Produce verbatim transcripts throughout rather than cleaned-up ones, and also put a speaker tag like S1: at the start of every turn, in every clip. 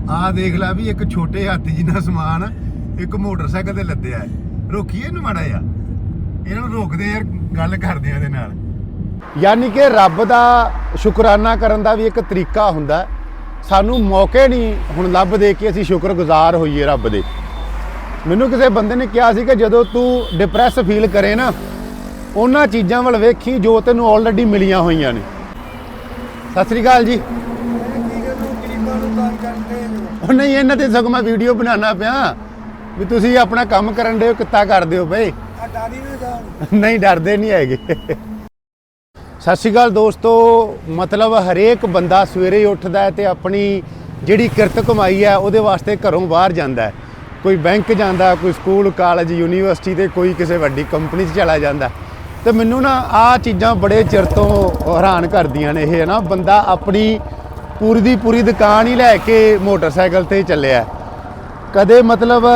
S1: ਆ ਦੇਖ ਲੈ ਵੀ ਇੱਕ ਛੋਟੇ ਹਾਥੀ ਜਿੰਨਾ ਸਮਾਨ ਇੱਕ ਮੋਟਰਸਾਈਕਲ ਤੇ ਲੱਦਿਆ ਹੈ। ਰੋਕੀਏ ਇਹਨੂੰ ਮਾੜਾ ਜਿਹਾ, ਇਹਨਾਂ ਨੂੰ ਰੋਕਦੇ ਯਾਰ, ਗੱਲ ਕਰਦੇ ਆ ਇਹਦੇ ਨਾਲ। ਯਾਨੀ ਕਿ ਰੱਬ ਦਾ ਸ਼ੁਕਰਾਨਾ ਕਰਨ ਦਾ ਵੀ ਇੱਕ ਤਰੀਕਾ ਹੁੰਦਾ। ਸਾਨੂੰ ਮੌਕੇ ਨਹੀਂ ਹੁਣ ਲੱਭਦੇ ਕਿ ਅਸੀਂ ਸ਼ੁਕਰਗੁਜ਼ਾਰ ਹੋਈਏ ਰੱਬ ਦੇ। ਮੈਨੂੰ ਕਿਸੇ ਬੰਦੇ ਨੇ ਕਿਹਾ ਸੀ ਕਿ ਜਦੋਂ ਤੂੰ ਡਿਪਰੈਸ ਫੀਲ ਕਰੇ ਨਾ, ਉਹਨਾਂ ਚੀਜ਼ਾਂ ਵੱਲ ਵੇਖੀ ਜੋ ਤੈਨੂੰ ਆਲਰੇਡੀ ਮਿਲੀਆਂ ਹੋਈਆਂ ਨੇ। ਸਤਿ ਸ੍ਰੀ ਅਕਾਲ ਜੀ। ਉਹ ਨਹੀਂ, ਇਹਨਾਂ ਤੇ ਸਗੋਂ ਮੈਂ ਵੀਡੀਓ ਬਣਾਉਣਾ ਪਿਆ ਵੀ ਤੁਸੀਂ ਆਪਣਾ ਕੰਮ ਕਰਨ ਦੇ ਕਿੱਤਾ ਕਰਦੇ ਹੋ ਬਈ। ਨਹੀਂ ਡਰਦੇ ਨਹੀਂ ਹੈਗੇ। ਸਤਿ ਸ਼੍ਰੀ ਅਕਾਲ ਦੋਸਤੋ। ਮਤਲਬ ਹਰੇਕ ਬੰਦਾ ਸਵੇਰੇ ਉੱਠਦਾ ਹੈ ਤੇ ਆਪਣੀ ਜਿਹੜੀ ਕਿਰਤ ਕਮਾਈ ਹੈ ਉਹਦੇ ਵਾਸਤੇ ਘਰੋਂ ਬਾਹਰ ਜਾਂਦਾ ਹੈ। ਕੋਈ ਬੈਂਕ ਜਾਂਦਾ, ਕੋਈ ਸਕੂਲ ਕਾਲਜ ਯੂਨੀਵਰਸਿਟੀ ਤੇ ਕੋਈ ਕਿਸੇ ਵੱਡੀ ਕੰਪਨੀ 'ਚ ਚਲਾ ਜਾਂਦਾ। ਤੇ ਮੈਨੂੰ ਨਾ ਆਹ ਚੀਜ਼ਾਂ ਬੜੇ ਚਿਰ ਤੋਂ ਹੈਰਾਨ ਕਰਦੀਆਂ ਨੇ। ਇਹ ਨਾ ਬੰਦਾ ਆਪਣੀ ਪੂਰੀ ਦੀ ਪੂਰੀ ਦੁਕਾਨ ਹੀ ਲੈ ਕੇ ਮੋਟਰਸਾਈਕਲ ਤੇ ਚੱਲਿਆ। ਕਦੇ ਮਤਲਬ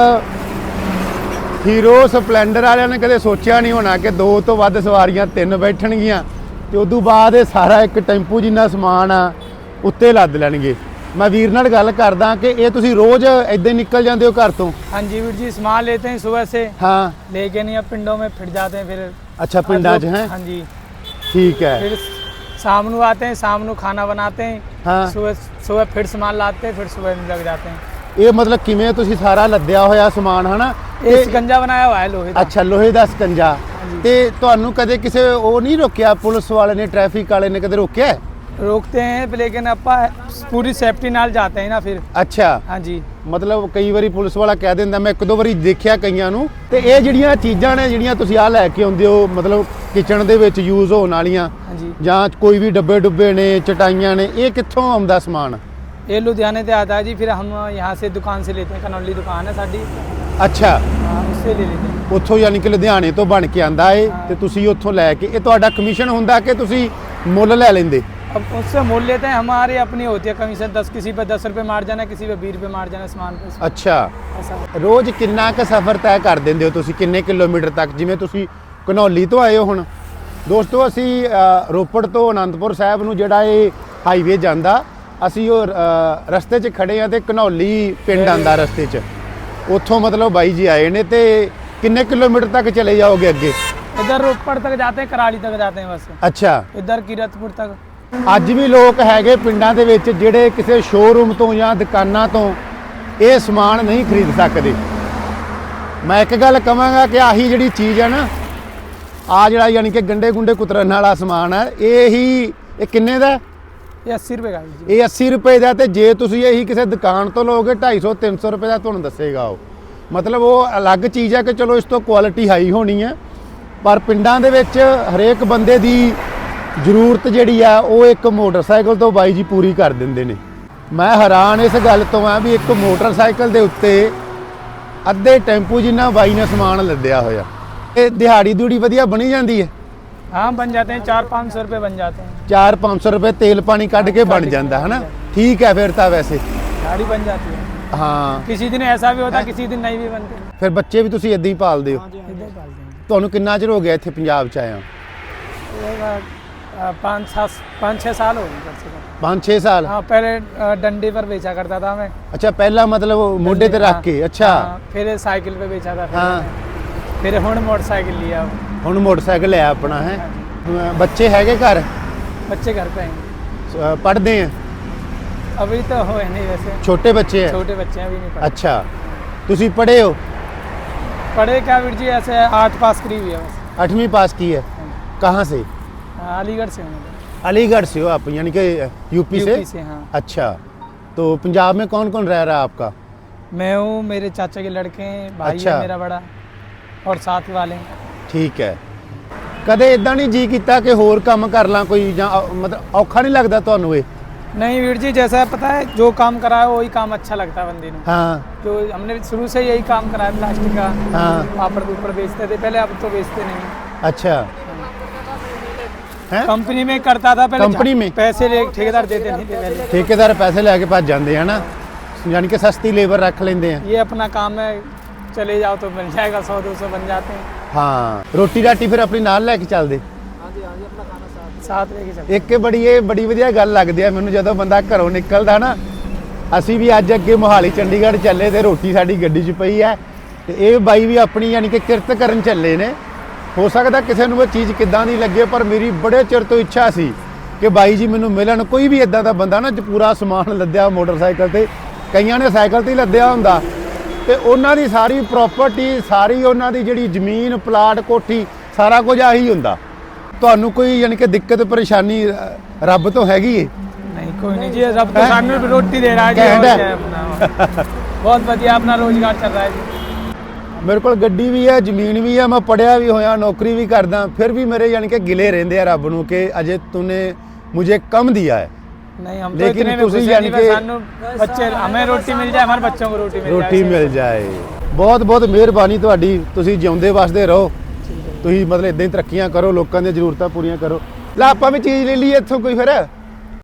S1: ਹੀਰੋ ਸਪਲੈਂਡਰ ਵਾਲਿਆਂ ਨੇ ਕਦੇ ਸੋਚਿਆ ਨਹੀਂ ਹੋਣਾ ਕਿ ਦੋ ਤੋਂ ਵੱਧ ਸਵਾਰੀਆਂ ਤਿੰਨ ਬੈਠਣਗੀਆਂ ਤੇ ਉਦੋਂ ਬਾਅਦ ਇਹ ਸਾਰਾ ਇੱਕ ਟੈਂਪੂ ਜਿੰਨਾ ਸਮਾਨ ਆ ਉੱਤੇ ਲੱਦ ਲੈਣਗੇ। मैं वीर नाल गल करदा कि ये तुसी रोज इदां निकल जाते हो घर तो? हाँ जी वीर जी, सामान लेते हैं सुबह से, हाँ लेके नहीं अब पिंडों में फिर जाते हैं। फिर अच्छा पिंडा च हैं? हाँ जी ठीक है। फिर शाम को आते हैं, शाम को खाना बनाते हैं, हाँ सुबह सुबह फिर सामान लाते हैं, फिर सुबह लग जाते हैं। ये मतलब किवें तुसी सारा लद्या होया समान है ना? ये शिकंजा बनाया हुआ है लोहे दा। अच्छा लोहे दा शिकंजा। ते तुहानू कदे किसे ओ नहीं रोकिया, पुलिस वाले ने ट्रैफिक वाले ने कदे रोकिया? रोकते हैं लेकिन अपा पूरी सेफ्टी नाल जाते हैं ना फिर। अच्छा हाँ जी। मतलब कई बारी पुलिस वाला कह दिंदा, मैं एक दो बारी देखिया कईयां नू। ते ये जिहड़ियां चीज़ां ने जिहड़ियां तुसीं आ लैके आउंदे हो, मतलब किचन दे विच यूज़ होण वालियां जां कोई भी डब्बे डुब्बे ने, चटाइयां ने, ये कित्थों आउंदा समान? ये लुधियाने से आता है जी। फिर हम यहाँ से दुकान से लेते हैं, कनौली दुकान है साडी। अच्छा हाँ, उससे ले लेते हैं उत्थों, यानी कि लुधियाने तो बन के आंदा है ते तुसीं उत्थों लैके। ये तुहाडा कमीशन हुंदा कि तुसीं मुੱਲ लै लैंदे? अब उससे मोल लेते हैं, हमारी अपनी होती है कमीशन। दस किसी पे दस रुपये मार जाना, किसी पे बीस रुपये मार जाना समान पे। अच्छा रोज़ किन्ना क सफ़र तय कर देंदे हो तुसीं, किन्ने किलोमीटर तक? जिवें तुसीं घनौली तो आए हो हुण दोस्तों, असी रोपड़ तो आनंदपुर साहब नूं जिहड़ा ये हाईवे जांदा, असी ਉਹ ਰਸਤੇ 'ਚ ਖੜੇ ਆ ਤੇ ਘਨੌਲੀ ਪਿੰਡ ਆਂਦਾ ਰਸਤੇ 'ਚ। ਉੱਥੋਂ मतलब ਬਾਈ ਜੀ ਆਏ ਨੇ ਤੇ किन्ने किलोमीटर तक चले जाओगे अगे? इधर रोपड़ तक जाते हैं, कराली तक जाते हैं बस। अच्छा इधर कीरतपुर तक। ਅੱਜ ਵੀ ਲੋਕ ਹੈਗੇ ਪਿੰਡਾਂ ਦੇ ਵਿੱਚ ਜਿਹੜੇ ਕਿਸੇ ਸ਼ੋਰੂਮ ਤੋਂ ਜਾਂ ਦੁਕਾਨਾਂ ਤੋਂ ਇਹ ਸਮਾਨ ਨਹੀਂ ਖਰੀਦ ਸਕਦੇ। ਮੈਂ ਇੱਕ ਗੱਲ ਕਹਾਂਗਾ ਕਿ ਆਹੀ ਜਿਹੜੀ ਚੀਜ਼ ਹੈ ਨਾ, ਆ ਜਿਹੜਾ ਯਾਨੀ ਕਿ ਗੰਡੇ ਗੁੰਡੇ ਕੁਤਰਨ ਵਾਲਾ ਸਮਾਨ ਹੈ, ਇਹ ਹੀ ਇਹ ਕਿੰਨੇ ਦਾ? ਇਹ अस्सी ਰੁਪਏ ਦਾ ਜੀ। ਇਹ अस्सी ਰੁਪਏ ਦਾ। ਤੇ ਜੇ ਤੁਸੀਂ ਇਹੀ ਕਿਸੇ ਦੁਕਾਨ ਤੋਂ ਲਓਗੇ ਢਾਈ ਸੌ ਤਿੰਨ ਸੌ ਰੁਪਏ ਦਾ ਤੁਹਾਨੂੰ ਦੱਸੇਗਾ ਉਹ। ਮਤਲਬ ਉਹ ਅਲੱਗ ਚੀਜ਼ ਹੈ ਕਿ ਚਲੋ ਇਸ ਤੋਂ ਕੁਆਲਿਟੀ ਹਾਈ ਹੋਣੀ ਹੈ, ਪਰ ਪਿੰਡਾਂ ਦੇ ਵਿੱਚ ਹਰੇਕ ਬੰਦੇ ਦੀ ਜ਼ਰੂਰਤ ਜਿਹੜੀ ਆ ਉਹ ਇੱਕ ਮੋਟਰਸਾਈਕਲ ਤੋਂ ਬਾਈ ਜੀ ਪੂਰੀ ਕਰ ਦਿੰਦੇ ਨੇ। ਮੈਂ ਹੈਰਾਨ ਇਸ ਗੱਲ ਤੋਂ ਆ ਵੀ ਇੱਕ ਮੋਟਰਸਾਈਕਲ ਦੇ ਉੱਤੇ ਅੱਧੇ ਟੈਂਪੂ ਜਿੰਨਾ ਬਾਈ ਨੇ ਸਮਾਨ ਲੱਦਿਆ ਹੋਇਆ। ਇਹ ਦਿਹਾੜੀ ਦੂੜੀ ਵਧੀਆ ਬਣੀ ਜਾਂਦੀ ਹੈ? ਹਾਂ ਬਣ ਜਾਂਦੇ हैं, चार पाँच सौ रुपये बन जाते हैं। चार पाँच सौ रुपये तेल पानी ਕੱਢ ਕੇ ਬਣ ਜਾਂਦਾ ਹੈ ਨਾ? ठीक है फिर ਤਾਂ ਵੈਸੇ ਦਿਹਾੜੀ ਬਣ ਜਾਂਦੀ ਹੈ। हाँ किसी दिन ऐसा भी होता, किसी दिन नहीं भी बनते। फिर बच्चे भी ਤੁਸੀਂ ਇੱਦਾਂ ਹੀ ਪਾਲਦੇ ਹੋ? ਇਦਾਂ ਹੀ ਪਾਲਦੇ ਹਾਂ। ਤੁਹਾਨੂੰ ਕਿੰਨਾ ਚਿਰ ਹੋ ਗਿਆ ਇੱਥੇ ਪੰਜਾਬ 'ਚ ਆਇਆ? पाँच सात पाँच छः साल हो गए। पाँच छः साल? हाँ पहले डंडे पर बेचा करता था मैं। अच्छा पहला मतलब मोढे ते रख के? अच्छा फिर साइकिल पे बेचा था। हाँ फिर हुण मोटरसाइकिल लिया। हुण मोटरसाइकिल है अपना है। बच्चे हैगे घर? बच्चे घर पे हैं। पढ़ते हैं? अभी तो हो नहीं, वैसे छोटे बच्चे हैं। छोटे बच्चे अभी नहीं पढ़े। अच्छा तुसी पढ़े हो? पढ़े क्या वीर जी, ऐसे आठ पास करी हुई है बस। आठवीं पास की है? कहाँ से? अलीगढ़ से हूँ। अलीगढ़ से हो आप, यानी कि यूपी से? यूपी से हाँ। अच्छा तो पंजाब में कौन कौन रह रहा है आपका? मैं हूँ, मेरे चाचा के लड़के हैं, भाई अच्छा। है मेरा बड़ा, और साथ वाले। ठीक है। कदे इदां नहीं जी कीता कि होर काम कर ਲਾਂ कोई, ਜਾਂ मतलब औखा नहीं लगता ਤੁਹਾਨੂੰ ਇਹ? नहीं वीर जी, जैसा पता है जो काम करा है वही काम अच्छा लगता है बंदे को। हाँ जो हमने शुरू से यही काम करा है प्लास्टिक का। हाँ पापड़ ऊपर बेचते थे पहले, अब तो बेचते नहीं। अच्छा कंपनी में करता था पहले। कंपनी में पैसे ले ठेकेदार देते नहीं थे पहले। ठेकेदार पैसे लेके भज जाते हैं ना, यानी कि सस्ती लेबर रख लेते हैं। ये अपना काम है, चले जाओ तो मिल जाएगा, सौ दो सौ बन जाते हैं। हाँ रोटी राटी फिर अपनी नाल लेके चलते? हाँ जी हाँ जी, अपना खाना साथ साथ लेके चलते। एक बड़ी ये बड़ी वधिया गल लगदी है मैनूं, जदों बंदा घरों निकलदा ना ਅਸੀਂ ਵੀ ਅੱਜ ਅੱਗੇ ਮੋਹਾਲੀ ਚੰਡੀਗੜ੍ਹ ਚੱਲੇ ਤੇ ਰੋਟੀ ਸਾਡੀ ਗੱਡੀ 'ਚ ਪਈ ਹੈ ਤੇ ਇਹ ਬਾਈ ਵੀ ਆਪਣੀ ਯਾਨੀ ਕਿ ਕਿਰਤ ਕਰਨ ਚੱਲੇ ਨੇ। ਹੋ ਸਕਦਾ ਕਿਸੇ ਨੂੰ ਇਹ ਚੀਜ਼ ਕਿੱਦਾਂ ਦੀ ਲੱਗੇ, ਪਰ ਮੇਰੀ ਬੜੇ ਚਿਰ ਤੋਂ ਇੱਛਾ ਸੀ ਕਿ ਬਾਈ ਜੀ ਮੈਨੂੰ ਮਿਲਣ। ਕੋਈ ਵੀ ਇਦਾਂ ਦਾ ਬੰਦਾ ਨਾ ਪੂਰਾ ਸਮਾਨ ਲੱਦਿਆ ਮੋਟਰਸਾਈਕਲ ਤੇ, ਕਈਆਂ ਨੇ ਸਾਈਕਲ ਤੇ ਹੀ ਲੱਦਿਆ ਹੁੰਦਾ, ਤੇ ਉਹਨਾਂ ਦੀ ਸਾਰੀ ਪ੍ਰਾਪਰਟੀ, ਸਾਰੀ ਉਹਨਾਂ ਦੀ ਜਿਹੜੀ ਜ਼ਮੀਨ, ਪਲਾਟ, ਕੋਠੀ, ਸਾਰਾ ਕੁਝ ਆਹੀ ਹੁੰਦਾ। ਤੁਹਾਨੂੰ ਕੋਈ ਯਾਨੀ ਕਿ ਦਿੱਕਤ ਪਰੇਸ਼ਾਨੀ ਰੱਬ ਤੋਂ ਹੈਗੀ ਹੈ?
S2: नहीं कोई नहीं जी, रब तो सामने भी रोटी दे रहा है जी, और क्या है अपना बहुत बढ़िया अपना रोजगार चल रहा है जी।
S1: ਮੇਰੇ ਕੋਲ ਗੱਡੀ ਵੀ ਹੈ, ਜ਼ਮੀਨ ਵੀ ਹੈ, ਮੈਂ ਪੜਿਆ ਵੀ ਹੋਇਆ, ਨੌਕਰੀ ਵੀ ਕਰਦਾ, ਫਿਰ ਵੀ ਮੇਰੇ ਯਾਨੀ ਕਿ ਗਿਲੇ ਰਹਿੰਦੇ ਆ ਰੱਬ ਨੂੰ ਕਿ ਅਜੇ ਤੂਨੇ मुझे कम दिया है।
S2: नहीं हम तो इतने में खुश हैं जी, बस सानू बच्चे हमें रोटी मिल जाए, हमारे बच्चों को रोटी मिल जाए,
S1: रोटी मिल जाए। बहुत बहुत ਮਿਹਰਬਾਨੀ ਤੁਹਾਡੀ, ਤੁਸੀਂ ਜਿਉਂਦੇ ਵਸਦੇ ਰਹੋ, ਤੁਸੀਂ ਮਤਲਬ ਇਦਾਂ ਹੀ ਤਰੱਕੀਆਂ ਕਰੋ, ਲੋਕਾਂ ਦੀਆਂ ਜ਼ਰੂਰਤਾਂ ਪੂਰੀਆਂ ਕਰੋ। ਲੈ ਆਪਾਂ ਵੀ ਚੀਜ਼ ਲੈ ਲਈਏ ਇੱਥੋਂ ਕੋਈ ਫਿਰ।